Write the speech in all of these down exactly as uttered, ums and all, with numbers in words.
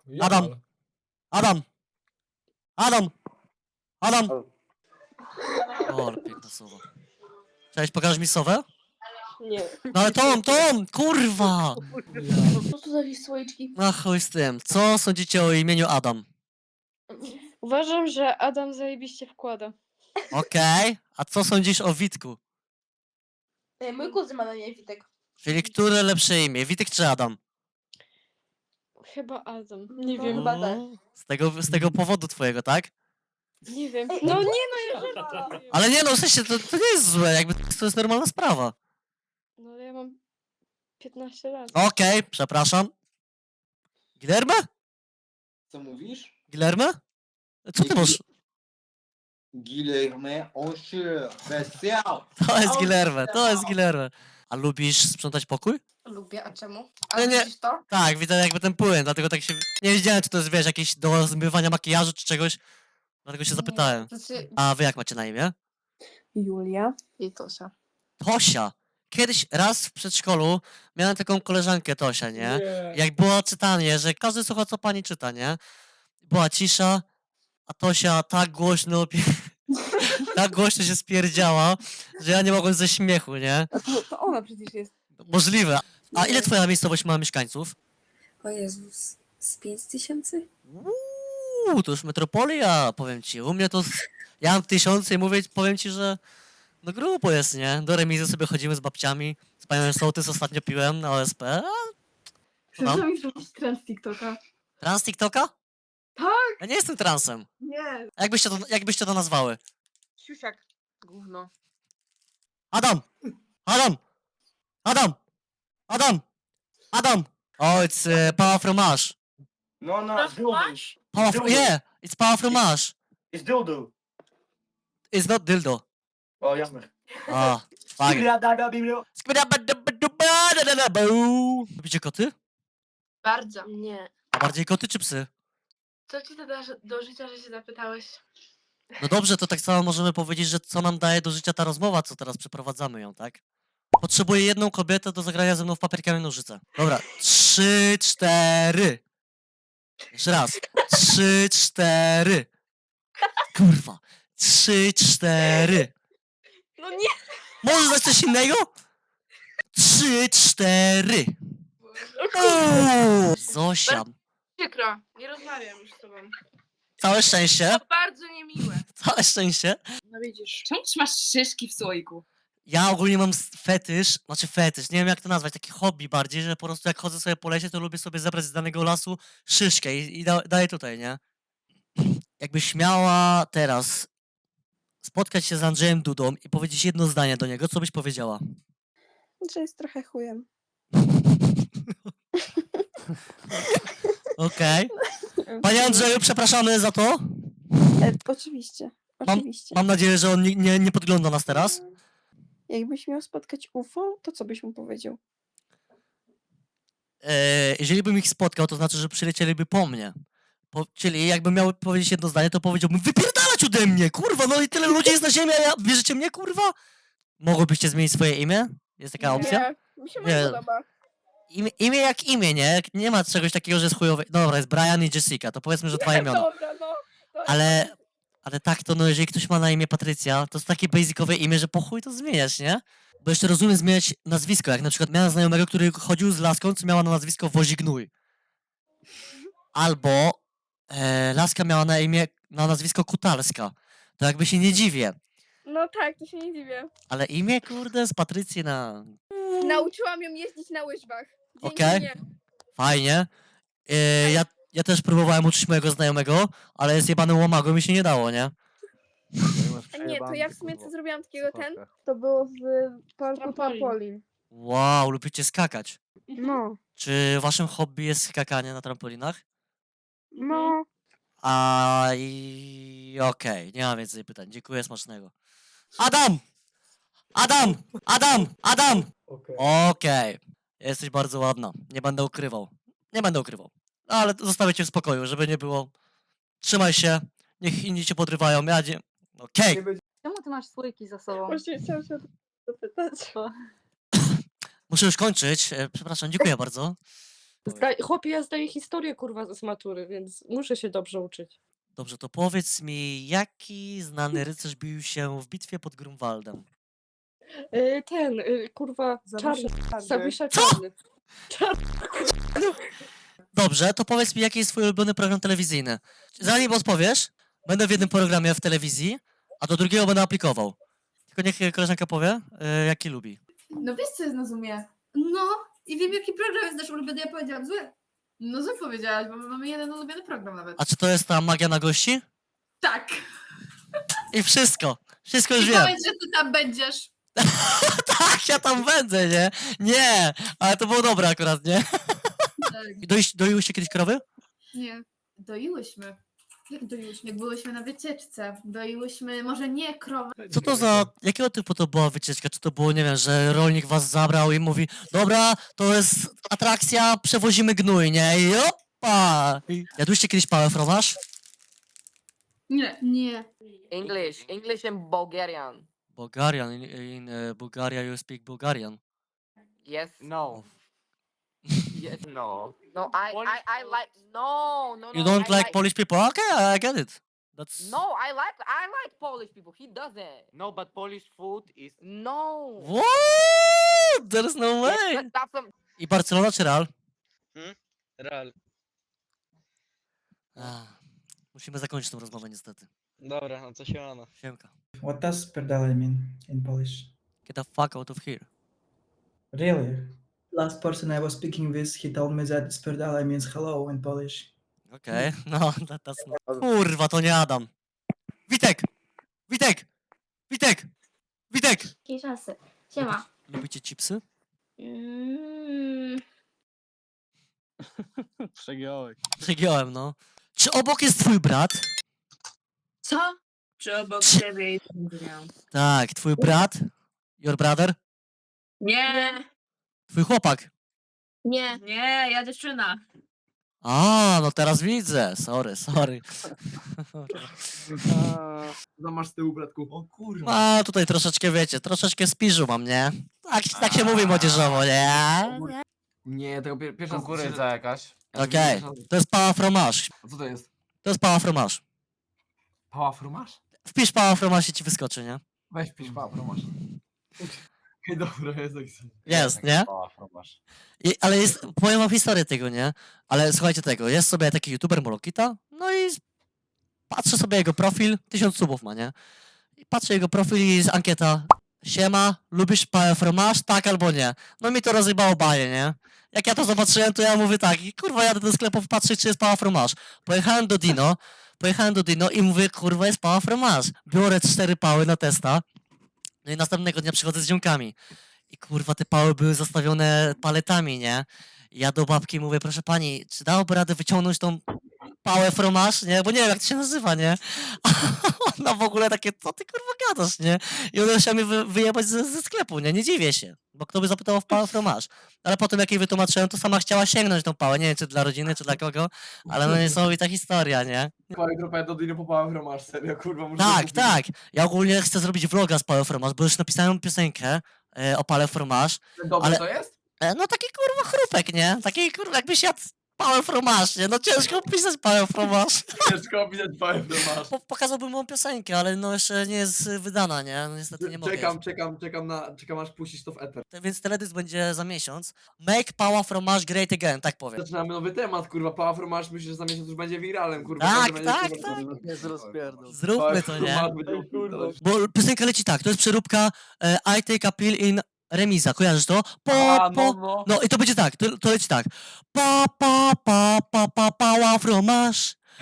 Adam. Jamal. Adam! Adam! Adam! O. O, ale piękne słowo. Cześć, pokażesz mi sowę? Nie. No ale Tom, Tom! Kurwa! Co to za jakieś słoiczki? Na chuj z tym. Co sądzicie o imieniu Adam? Uważam, że Adam zajebiście wkłada. Okej. A co sądzisz o Witku? Ej, mój kuzyn ma na nie Witek. Czyli które lepsze imię? Witek czy Adam? Chyba Adam. Nie No, wiem. chyba tak. Mm, Z tego, z tego powodu twojego, tak? Nie wiem. Ej, No ej, nie no, ja żartuję. Ale nie no, w sensie to, to nie jest złe, jakby to jest normalna sprawa. No ale ja mam piętnaście lat. Okej, przepraszam. Guillermo? Co mówisz? Guillermo? Co ty masz? Guilherme Onche, specjal! To jest O, Guillermo, to jest no. Guillermo. A lubisz sprzątać pokój? Lubię, a czemu? Ale A nie- widzisz to? Tak, widzę jakby ten płyn, dlatego tak się... Nie wiedziałem, czy to jest, wiesz, jakieś do zmywania makijażu czy czegoś. Dlatego się zapytałem. Nie, znaczy... A wy jak macie na imię? Julia. I Tosia. Tosia. Kiedyś raz w przedszkolu miałem taką koleżankę Tosia, nie? Jak było czytanie, że każdy słucha, co pani czyta, nie? Była cisza, a Tosia tak głośno, pie- tak głośno się spierdziała, że ja nie mogłem ze śmiechu, nie? A to, to ona przecież jest. Możliwe. A ile twoja miejscowość ma mieszkańców? O Jezus. Z pięć tysięcy? Uuu, to już metropolia, powiem ci. U mnie to... z- Ja mam tysiące i mówię, powiem ci, że... No grubo jest, nie? Do remizy sobie chodzimy z babciami. Z panią Sołtys ostatnio piłem na O S P. Chcesz mi zrobić trans TikToka? Trans TikToka? Tak! Ja nie jestem transem. Nie. A Jakbyście to, jakbyście to nazwały? Siusiak. Gówno. Adam! Adam! Adam! Adam! Adam! Oh, it's uh, power from Mars. No, no, dildo. Power from, yeah, it's power from Mars. Is dildo. It's not dildo. O, jasne. Ah, fuck it. Lubicie koty? Bardzo. Nie. A bardziej koty czy psy? Co ci to da do życia, że się zapytałeś? No dobrze, to tak samo możemy powiedzieć, że co nam daje do życia ta rozmowa, co teraz przeprowadzamy ją, tak? Potrzebuję jedną kobietę do zagrania ze mną w papier, kamień, nożyce. Dobra, trzy, cztery. Jeszcze raz. Trzy, cztery. Kurwa. Trzy, cztery. No nie! Możesz dać coś innego? Trzy, cztery. Uuu, Zosia. Przykro, nie rozmawiam już z tobą. Całe szczęście. To bardzo niemiłe. Całe szczęście. No widzisz. Czemu trzymasz szyszki w słoiku? Ja ogólnie mam s- fetysz, znaczy fetysz, nie wiem jak to nazwać, taki hobby bardziej, że po prostu jak chodzę sobie po lesie, to lubię sobie zebrać z danego lasu szyszkę i, i da, daję tutaj, nie? Jakbyś miała teraz spotkać się z Andrzejem Dudą i powiedzieć jedno zdanie do niego, co byś powiedziała? Że jest trochę chujem. Okej. Panie Andrzeju, przepraszamy za to. E, oczywiście. Mam- Oczywiście. Mam nadzieję, że on nie, nie, nie podgląda nas teraz. Jakbyś miał spotkać U F O, to co byś mu powiedział? E, jeżeli bym ich spotkał, to znaczy, że przylecieliby po mnie. Po, czyli jakbym miał powiedzieć jedno zdanie, to powiedziałbym wypierdalać ode mnie, kurwa, no i tyle ludzi jest na ziemi, a ja, bierzecie mnie, kurwa? Mogłybyście zmienić swoje imię? Jest taka opcja? Nie, mi się Nie. nie podoba. Imię, imię jak imię, nie? Nie ma czegoś takiego, że jest chujowe. Dobra, jest Brian i Jessica, to powiedzmy, że dwa imiona. Dobra, no. to jest- Ale, ale tak to, no jeżeli ktoś ma na imię Patrycja, to jest takie basicowe imię, że po chuj to zmieniać, nie? Bo jeszcze rozumiem zmieniać nazwisko, jak na przykład miałem znajomego, który chodził z laską, co miała na nazwisko Wozignój. Albo e, laska miała na imię, na nazwisko Kutalska. To jakby się nie dziwię. No tak, to się nie dziwię. Ale imię, kurde, z Patrycji na... Nauczyłam ją jeździć na łyżwach. Dzięki Okej. mnie. Fajnie. E, ja, ja też próbowałem uczyć mojego znajomego, ale jest jebanym łomagą mi się nie dało, nie? A nie, to ja w sumie co zrobiłam takiego ten? To było w parku Trampolin. trampolin. Wow, lubicie skakać. No, Czy waszym hobby jest skakanie na trampolinach? no. A i okej, nie mam więcej pytań. Dziękuję, smacznego. Adam! Adam! Adam! Adam! Okej. Okej. Jesteś bardzo ładna. Nie będę ukrywał. Nie będę ukrywał. Ale zostawię cię w spokoju, żeby nie było. Trzymaj się. Niech inni cię podrywają. Ja nie... Okej. Nie będzie Czemu ty masz słoiki za sobą? Właśnie chciałam się o to zapytać. Muszę już kończyć. E, Przepraszam, dziękuję bardzo. powiedz. Zda- Chłopie, ja zdaję historię, kurwa, z matury, więc muszę się dobrze uczyć. Dobrze, to powiedz mi, jaki znany rycerz bił się w bitwie pod Grunwaldem? Y, Ten, y, kurwa, czarny. Zawisza Co? czarny. Dobrze, to powiedz mi, jaki jest twój ulubiony program telewizyjny? Zanim odpowiesz, będę w jednym programie w telewizji, a do drugiego będę aplikował. Tylko niech koleżanka powie, y, jaki lubi. No wiesz, co jest na Zoomie? No, i wiem, jaki program jest nasz ulubiony, ja powiedziałam zły. No zły powiedziałaś, bo my mamy jeden ulubiony program nawet. A czy to jest ta magia na gości? Tak. I wszystko. Wszystko już I wiem. powiedz, że ty tam będziesz. Tak, ja tam będę, nie? Nie, ale to było dobre akurat, nie? Tak. Doiś, doiłyście kiedyś krowy? Nie. Doiłyśmy. Jak doiłyśmy? Jak byłyśmy na wycieczce. Doiłyśmy, może nie krowę. Co to za, jakiego typu to była wycieczka? Czy to było, nie wiem, że rolnik was zabrał i mówi, dobra, to jest atrakcja, przewozimy gnój, nie? I opa! I jadłyście kiedyś pałę fromaż? Nie. Nie. English, English and Bulgarian. Bulgarian, in, in uh, Bulgaria you speak Bulgarian. Yes. No. Yes. No. No, I, I, I like. No, no, no. You don't I like Polish people? Okay, I get it. That's... No, I like, I like Polish people. He doesn't. No, but Polish food is... No. What? There's no Yes, way! that- that's some. I Barcelona czy Real? Real. Ach, musimy zakończyć tę rozmowę niestety. Dobra, no to się ono. Siemka. What does spierdalaj mean in Polish? Get the fuck out of here. Really? Last person I was speaking with, he told me that spierdalaj means hello in Polish. Okej, no, that, that's not... Kurwa, to nie Adam. Witek! Witek! Witek! Witek! Jakie czasy. Siema. Lubicie chipsy? Mm, Przegiąłeś. Przegiąłem, no. Czy obok jest twój brat? Co? Czy obok Czy- ciebie i miał? Tak, twój brat? Your brother? Nie, Twój chłopak? nie. nie, ja dziewczyna. A, no teraz widzę. Sorry, sorry. No masz z tyłu, bratku. O kurwa. A, tutaj troszeczkę, wiecie, troszeczkę spiżu mam, nie? Tak, tak się mówi młodzieżowo, nie? Nie, tego pier pierwsza kukurydza jakaś. Okej, to jest pała fromage. A co to jest? To jest pała fromage. Pała frumasz? Wpisz pała fromage i ci wyskoczy, nie? Weź pisz pała frumasz. Ej, dobra, jest tak. Jest, nie? Pała frumasz. I, ale jest, powiem wam historię tego, nie? Ale słuchajcie tego, jest sobie taki youtuber Molokita, no i patrzę sobie jego profil, tysiąc subów ma, nie? I patrzę jego profil i jest ankieta, siema, lubisz pałę fromage, tak albo nie? No mi to rozjebało baję, nie? Jak ja to zobaczyłem, to ja mówię tak, i kurwa jadę do sklepu patrzeć, czy jest pała fromage. Pojechałem do Dino, pojechałem do Dino i mówię, kurwa jest pała fromage. Biorę cztery pały na testa, no i następnego dnia przychodzę z ziomkami. I kurwa, te pały były zastawione paletami, nie? I ja do babki mówię, proszę pani, czy dałoby radę wyciągnąć tą pałę fromage, nie? Bo nie wiem, jak to się nazywa, nie? A ona w ogóle takie, co ty kurwa gadasz, nie? I ona chciała mnie wy, wyjebać ze, ze sklepu, nie? Nie dziwię się, bo kto by zapytał o pałę fromage. Ale potem jak jej wytłumaczyłem, to sama chciała sięgnąć tą pałę, nie wiem, czy dla rodziny, czy dla kogo, ale no niesamowita historia, nie? Pała grupę do Dino po pałę frumasz, serio, kurwa. muszę Tak, kupić. tak. Ja ogólnie chcę zrobić vloga z pałę fromage, bo już napisałem piosenkę e, o pałę fromage. Dobre ale- to jest? E, No taki kurwa chrupek, nie? Taki kurwa jakbyś jadł pałę fromage, nie? No ciężko pisać pałę fromage. Ciężko opisać pałę frumasz. Po, pokazałbym mu piosenkę, ale no jeszcze nie jest y, wydana, nie? No niestety nie mogę. Czekam, czekam, czekam na, czekam aż puścisz to w eter. jeszcze. Więc teledysk będzie za miesiąc. Make pała fromage great again, tak powiem. Zaczynamy nowy temat, kurwa, pała frumasz, myślę, że za miesiąc już będzie wiralem, kurwa. Tak, każdy będzie, tak, kurwa, tak. kurwa, Jest rozpierdol. Zróbmy to, nie? Frumasz będzie upierdalać. Bo piosenka leci tak, to jest przeróbka e, I take a pill in Remiza, kojarzysz to? Po, A, po, no, no. No i to będzie tak, to, to leci tak. Pa, pa, pa, pa, pa, pała fromage.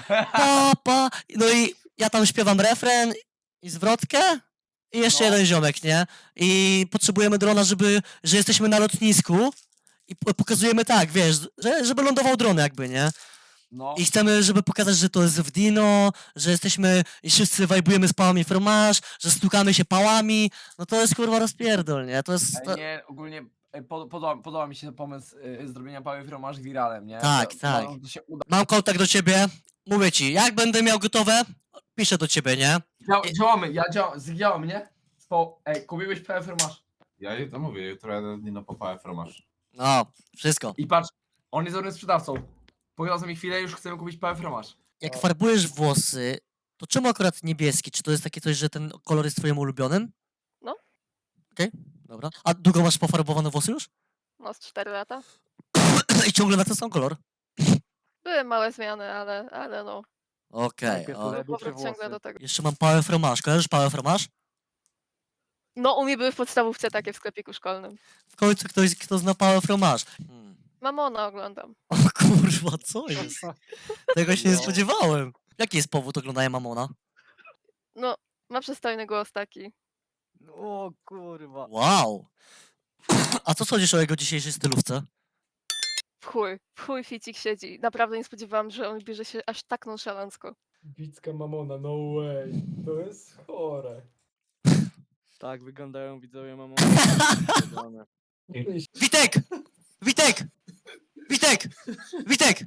Pa, pa. No i ja tam śpiewam refren i zwrotkę i jeszcze No. jeden ziomek, nie? I potrzebujemy drona, żeby, że jesteśmy na lotnisku i po- pokazujemy tak, wiesz, że, żeby lądował dron jakby, nie? No. I chcemy, żeby pokazać, że to jest w Dino, że jesteśmy i wszyscy wajbujemy z pałami fromage, że stukamy się pałami. No to jest kurwa rozpierdol, nie? To jest... To... Ej, nie, ogólnie e, pod, podoba, podoba mi się pomysł y, zrobienia pały frumasz wiralem, nie? Tak, To- tak. To, to się uda. Mam kontakt do ciebie, mówię ci, jak będę miał gotowe, piszę do ciebie, nie? Dzia działamy, ja działam, zdziałam, nie? Spo Ej, kupiłeś pałę frumasz. Ja to mówię, jutro jadę do Dino po pałę fromaż. No, wszystko. I patrz, On jest dobrym sprzedawcą. Pogadał z mi chwilę, już chcemy kupić pały fromaż. Jak farbujesz włosy, to czemu akurat niebieski? Czy to jest takie coś, że ten kolor jest twoim ulubionym? No. Okej, dobra. A długo masz pofarbowane włosy już? No z cztery lata. I ciągle na ten sam kolor? Były małe zmiany, ale, ale no. Okej, Najpierw o. lepiej Powrót czy ciągle włosy? do tego. Jeszcze mam pałę fromaż. Kojarzysz pałę fromaż? No u mnie były w podstawówce takie w sklepiku szkolnym. W końcu ktoś, kto zna pałę fromaż. Hmm. Mamona oglądam. O kurwa, co jest? Tego się nie No. spodziewałem. Jaki jest powód oglądania Mamona? No, ma przystojny głos taki. O kurwa. Wow. A co sądzisz o jego dzisiejszej stylówce? W chuj, w chuj ficik siedzi. Naprawdę nie spodziewałam, że on bierze się aż tak nonszalancko. Bicka mamona, no way. To jest chore. Tak wyglądają widzowie mamo. Witek! Witek! Witek! Witek!